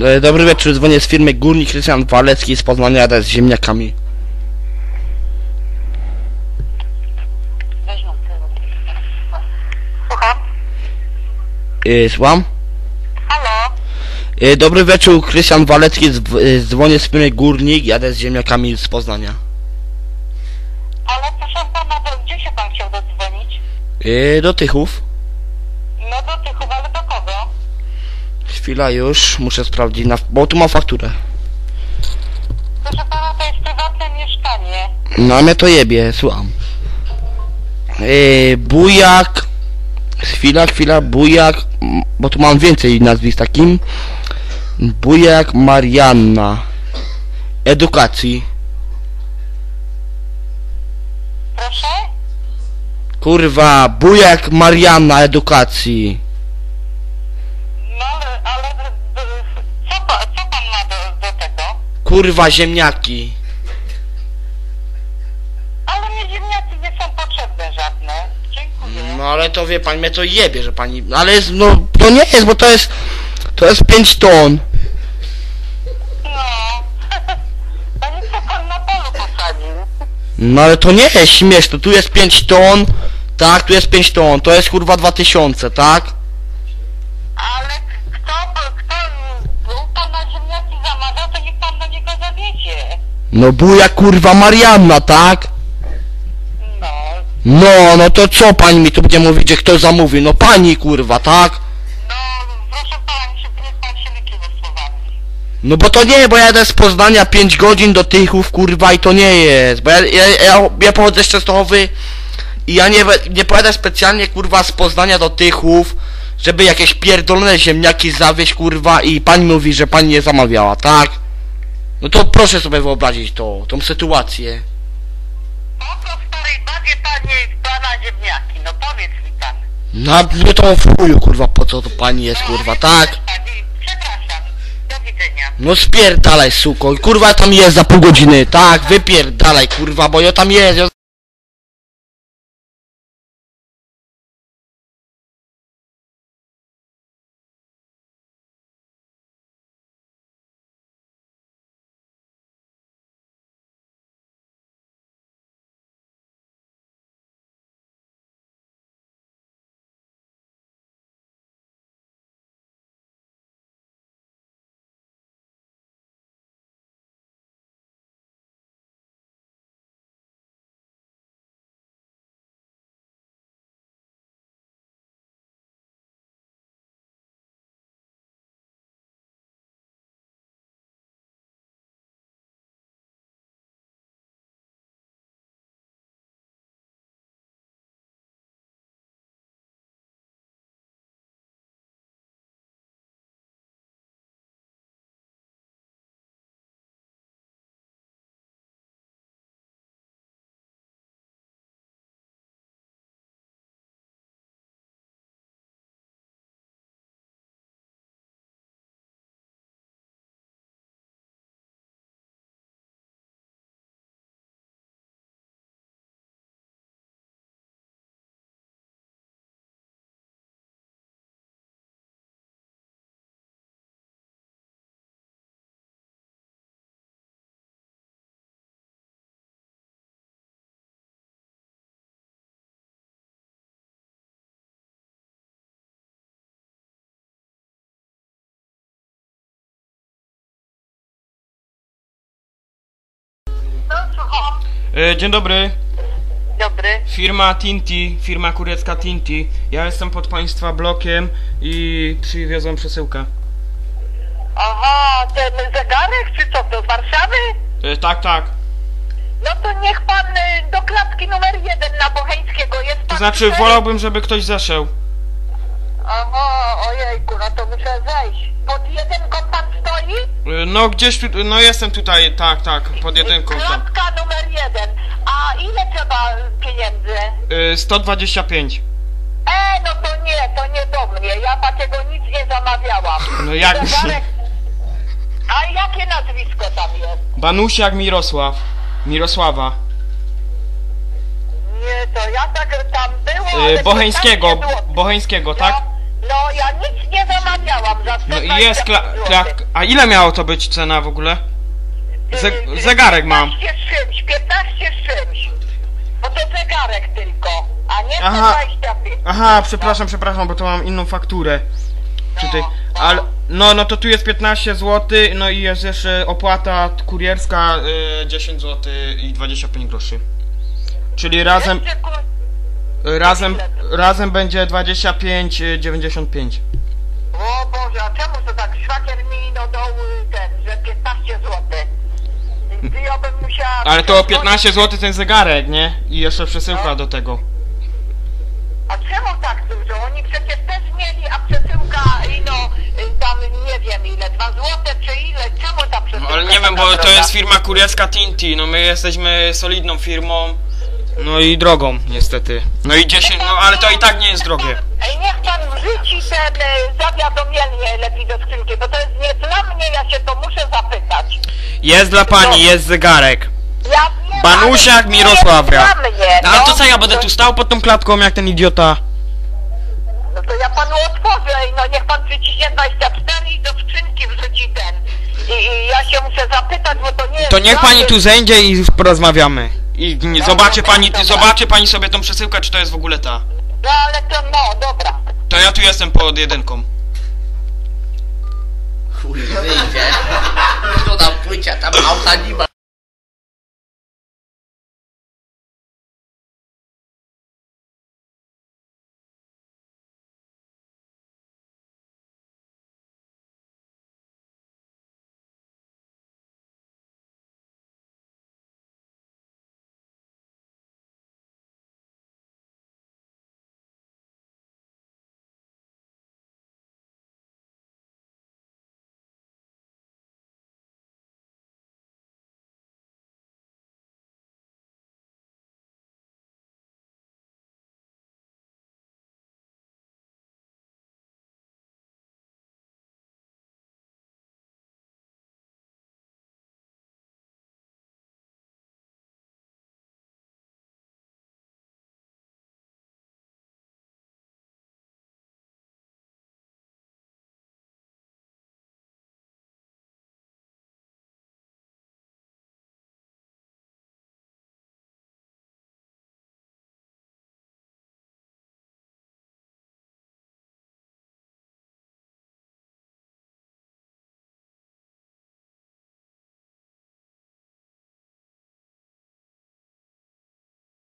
Dobry wieczór, dzwonię z firmy Górnik Krystian Walecki z Poznania z ziemniakami. Słucham? Słucham? Halo? Dobry wieczór, Krystian Walecki, dzwonię z firmy Górnik, jadę z ziemniakami z Poznania. Ale proszę pana, gdzie się pan chciał dodzwonić? Do Tychów. No do Tychów, ale do kogo? Chwila już, muszę sprawdzić, bo tu mam fakturę. Proszę pana, to jest prywatne mieszkanie. No a mnie to jebie, słucham. Bujak. Chwila, Bujak, bo tu mam więcej nazwisk takim. Bujak Marianna. Edukacji. Proszę? Kurwa, Bujak Marianna Edukacji. No ale co pan ma do tego? Kurwa, ziemniaki. Ale mnie ziemniaki nie są potrzebne żadne. Dziękuję. No ale to wie pani, mnie to jebie, że pani... Ale jest, no to nie jest, bo to jest 5 ton. No. To nie chce pan na polu posadził. No ale to nie jest śmieszne, tu jest 5 ton. Tak, tu jest 5 ton, to jest kurwa 2000, tak? Ale kto u pana ziemniaki zamawia, to niech pan do niego zawiezie. No Bujak kurwa Marianna, tak? No. No to co pani mi tu będzie mówić, że kto zamówi? No pani kurwa, tak? No, proszę pana, niech pan się wykrywa słowami. No bo to nie, bo ja jadę z Poznania 5 godzin do Tychów, kurwa, i to nie jest. Bo ja pochodzę z Częstochowy i ja nie pojadę specjalnie, kurwa, z Poznania do Tychów, żeby jakieś pierdolone ziemniaki zawieźć, kurwa, i pani mówi, że pani nie zamawiała, tak? No to proszę sobie wyobrazić tą sytuację. Po co w starej babie pana ziemniaki? No powiedz mi pan. No mnie to w chuju, kurwa, po co to pani jest, kurwa, tak? Przepraszam. Do widzenia. No spierdalaj, suko, kurwa, tam jest za pół godziny, tak? Wypierdalaj, kurwa, bo ja tam jest, No, słucham. Dzień dobry. Dobry. Firma Tinti, firma kurecka Tinti. Ja jestem pod państwa blokiem i przywiozłem przesyłkę. Aha, ten zegarek czy co to, z Warszawy? Tak. No to niech pan do klatki numer 1 na Bocheńskiego jest pan. To znaczy wolałbym, żeby ktoś zeszedł. Aha, ojejku, no to muszę zejść. Pod jedynką pan stoi? No gdzieś tu, no jestem tutaj, tak, pod jedynką tam. Klatka numer 1. A ile trzeba pieniędzy? 125. No to nie do mnie. Ja takiego nic nie zamawiałam. No jak Zegarek... A jakie nazwisko tam jest? Banusiak Mirosława. Nie, to ja tak tam było, ale Bocheńskiego, tam nie było. Bocheńskiego, tak? No ja nic nie zamawiałam za No i 125 jest złotych. A ile miało to być cena w ogóle? Zegarek mam. 15 z czymś, 15 z czymś. Bo to zegarek tylko, a nie Aha. 125. Aha, przepraszam, bo to mam inną fakturę. Tutaj, ale, no to tu jest 15 zł, no i jest jeszcze opłata kurierska 10 zł i 25 groszy. Czyli razem, Jeszcze, razem będzie 25,95. O Boże, a czemu to tak? Szwagier mi no dał ten, że 15 zł. Ja bym musiała... Ale to 15 zł ten zegarek, nie? I jeszcze przesyłka do tego. A czemu tak dużo? Oni przecież też mieli, a przesyłka ino tam nie wiem ile, 2 złote czy ile? Czemu ta przesyłka? Ale nie wiem, bo taka to jest droga? firma kurierska Tinti, no my jesteśmy solidną firmą. No i drogą, niestety. No i 10, no ale to i tak nie jest drogie. Ej, niech pan wrzuci ten zawiadomienie lepiej do skrzynki, bo to jest nie dla mnie, ja się to muszę zapytać. Jest dla pani, jest zegarek. Ja wiem, Banusiak ale nie Mirosławia. jest dla mnie, No ale to co, ja będę tu stał pod tą klatką jak ten idiota? No to ja panu otworzę, no niech pan przyciśnie 24 i do skrzynki wrzuci ten. I ja się muszę zapytać, bo to nie jest To niech dla pani mnie. tu zejdzie i porozmawiamy. I zobaczy pani sobie tą przesyłkę, czy to jest w ogóle ta. No ale to no, dobra. To ja tu jestem pod jedynką. Chuj, wyjdzie. To tam płycia, tam auta nie ma.